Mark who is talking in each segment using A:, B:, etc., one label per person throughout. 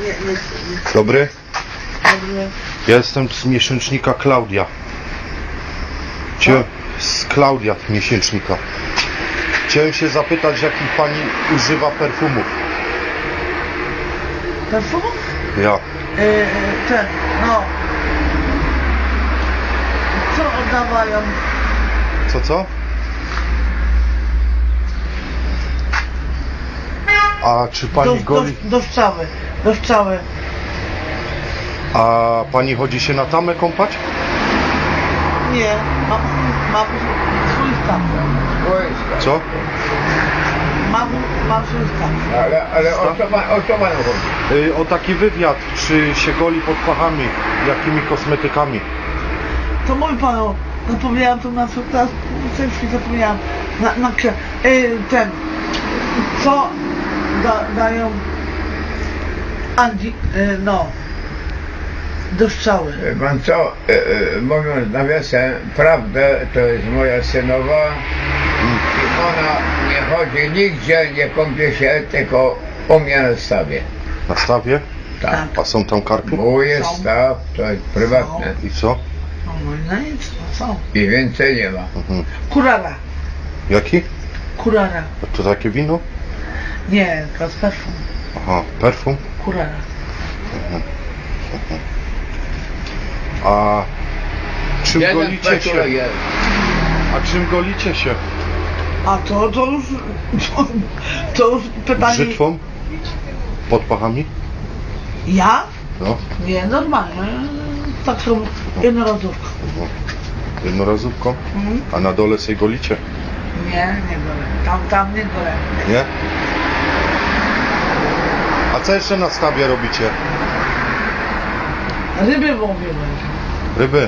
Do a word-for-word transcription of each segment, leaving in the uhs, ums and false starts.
A: Nie, nie, nie.
B: Dobry?
A: Dobry.
B: Ja jestem z miesięcznika Klaudia. Cie... Z Klaudia miesięcznika. Chciałem się zapytać, jakich pani używa perfumów.
A: Perfumów?
B: Ja.
A: Yy, ten, no. Co oddawają?
B: Co, co? A czy pani
A: do,
B: goli...
A: do, do strzały. Do strzały.
B: A pani chodzi się na tamę kąpać?
A: Nie, mam, mam swój staw.
B: Co?
A: Mam, mam swój staw.
C: Ale, ale o co, ma, o co panu chodzi?
B: Yy, o taki wywiad, czy się goli pod pachami, jakimi kosmetykami.
A: To mój panu, zapomniałam to na co teraz, coś zapomniałam. Na, na yy, ten, co da, dają Andzi, yy, no, do strzały.
C: Wie pan co, e, e, mówiąc nawiasem, prawdę, to jest moja synowa i ona nie chodzi nigdzie, nie kąpie się, tylko u mnie na stawie.
B: Na stawie?
C: Tak.
B: A są tam karpy?
C: Mój jest
A: Są.
C: staw, to jest prywatne
B: I co?
A: No, no i nic, no co?
C: i więcej nie ma.
B: Mhm.
A: Kurara,
B: Jaki?
A: kurara.
B: A to takie wino?
A: Nie, to jest perfum.
B: Aha, perfum.
A: Kurara.
B: A czym
C: Jeden
B: golicie się?
C: peciurek jest.
B: A czym golicie się?
A: A to, to już, to, to już pytanie...
B: Brzytwą? Pod pachami?
A: Ja?
B: No.
A: Nie, normalnie. Tak są jednorazówka.
B: no. Jednorazówką?
A: Mhm.
B: A na dole sobie golicie?
A: Nie, nie golę. Tam, tam nie golę.
B: Nie? A co jeszcze na stawie robicie?
A: Ryby łowimy.
B: Ryby?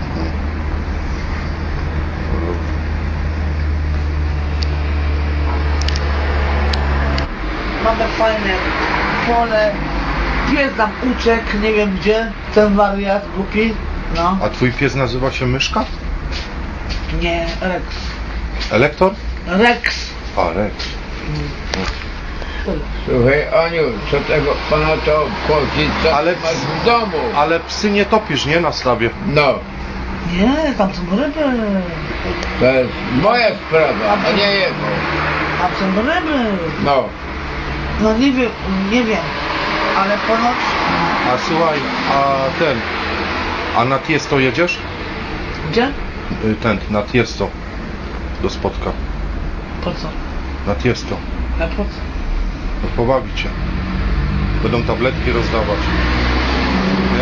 A: Mamy fajne pole. Pies nam uciekł, nie wiem gdzie. Ten wariat głupi. No.
B: A twój pies nazywa się Myszka?
A: Nie, Rex.
B: Elektor?
A: Rex.
B: A, Rex.
A: Tyle.
C: Słuchaj, Aniu, co tego pana to obchodzi, co
B: Ale-
C: ale... masz w domu?
B: Ale psy nie topisz, nie? Na stawie.
C: No,
A: Nie, tam są ryby.
C: to jest moja sprawa, a nie jego.
A: Tam są ryby.
C: No,
A: No nie wiem, nie wiem. Ale ponoć...
B: A słuchaj, a ten... A na Tiesto jedziesz?
A: Gdzie?
B: Y, Ten, na Tiesto. Do spotka.
A: Po co?
B: Na Tiesto.
A: A po co?
B: No pobawić cię. Będą tabletki rozdawać. Nie?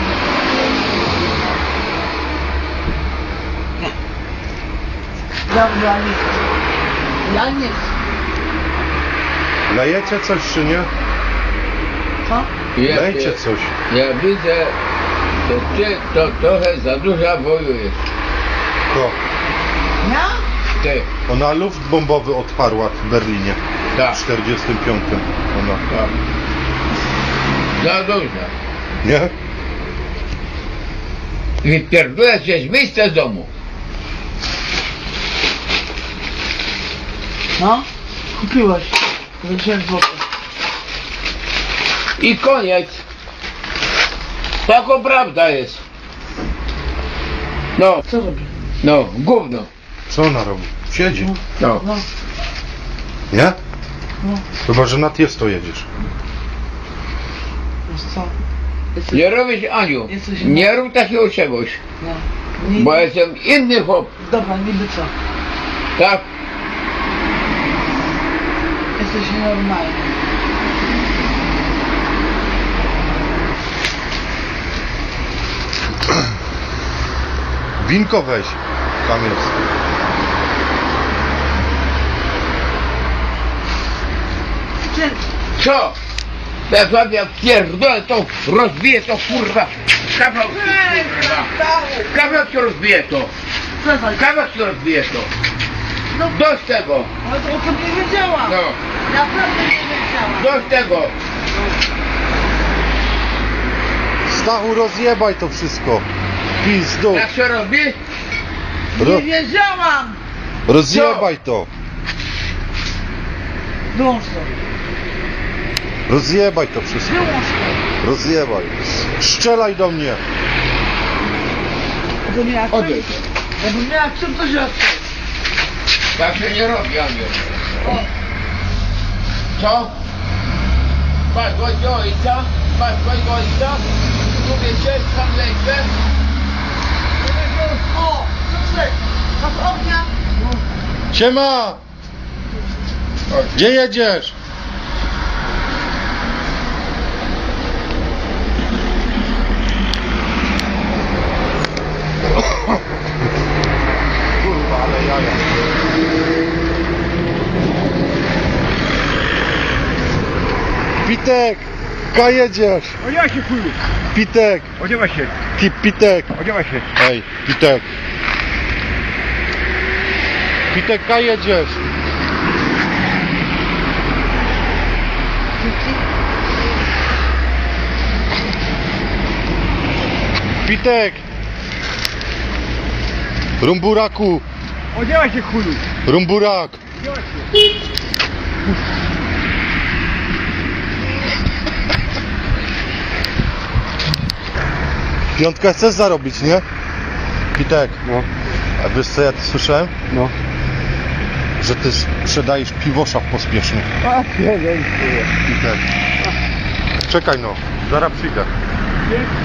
A: Ja, ja nie chcę. Ja nie chcę.
B: Lejecie coś czy nie?
A: Co?
C: ja,
B: Lejcie
C: ja,
B: coś.
C: ja widzę, że ty to trochę za dużo wojujesz.
B: Ko.
A: Ja?
C: Ty,
B: Ona luft bombowy odparła w Berlinie.
C: tak,
B: W czterdziestym piątym. Ona.
C: tak. Za dużo.
B: Nie?
C: Wypierdolę się z miejsca z domu.
A: No? Kupiłeś. Za dziesięć złotych.
C: I koniec. Taka prawda jest. No,
A: Co robi?
C: no, gówno.
B: Co ona robi? Siedzi.
C: No.
A: No,
B: Nie?
A: no.
B: Chyba, że na Tiesto jedziesz.
A: Wiesz co? Jesteś...
C: Nie robisz, Aniu,
A: Jesteś-
C: nie rób takiego czegoś,
A: No. Nie,
C: bo jestem inny chłop,
A: Dobra, niby co?
C: tak?
A: Jesteś nienormalny.
B: Winko weź. Tam jest.
A: Czy...
C: Co? Jak wam ja pierdolę, to rozbiję to kurwa. Kawał, kurwa. Kawał ci rozbije to.
A: Przestań.
C: Kawał ci rozbije to.
A: No,
C: Dość tego.
A: ale to o tym nie wiedziałam.
C: No,
A: Naprawdę nie wiedziałam.
C: dość tego.
B: Stachu, rozjebaj to wszystko. Pizdu.
C: Jak się rozbije?
B: Ro
A: Nie wiedziałam.
B: rozjebaj to.
A: Wyłącz to.
B: Rozjebaj to wszystko.
A: Wyłącz to.
B: Rozjebaj. Strzelaj do mnie.
A: Bo nie jak
C: Odejdź.
A: Jakbym miała czym to się
C: Tak się nie robi, Aniu. Co? Padłeś do ojca? Padłeś do ojca? Mówię się, tam lecę.
A: O! Dobrze! Masz ognia?
B: Siema! Gdzie jedziesz? Kurwa, ale jaja. Pitek! Ka jedziesz?
D: Odziewaj się, chuju!
B: Pitek!
D: Odziewaj się!
B: Ki, Pitek!
D: Odziewaj się!
B: Ej, Pitek! Pitek, ka jedziesz? Pitek! Rumburaku!
D: Odziewaj się, chuju!
B: Rumburak!
D: Odziewaj się!
B: Piątkę chcesz zarobić, nie? Pitek,
D: No,
B: a wiesz co ja tu słyszałem?
D: no.
B: Że ty sprzedajesz piwosza w pospiesznych.
D: A, jeden,
B: Pitek. Czekaj no, zaraz przyjdę.
D: chuju.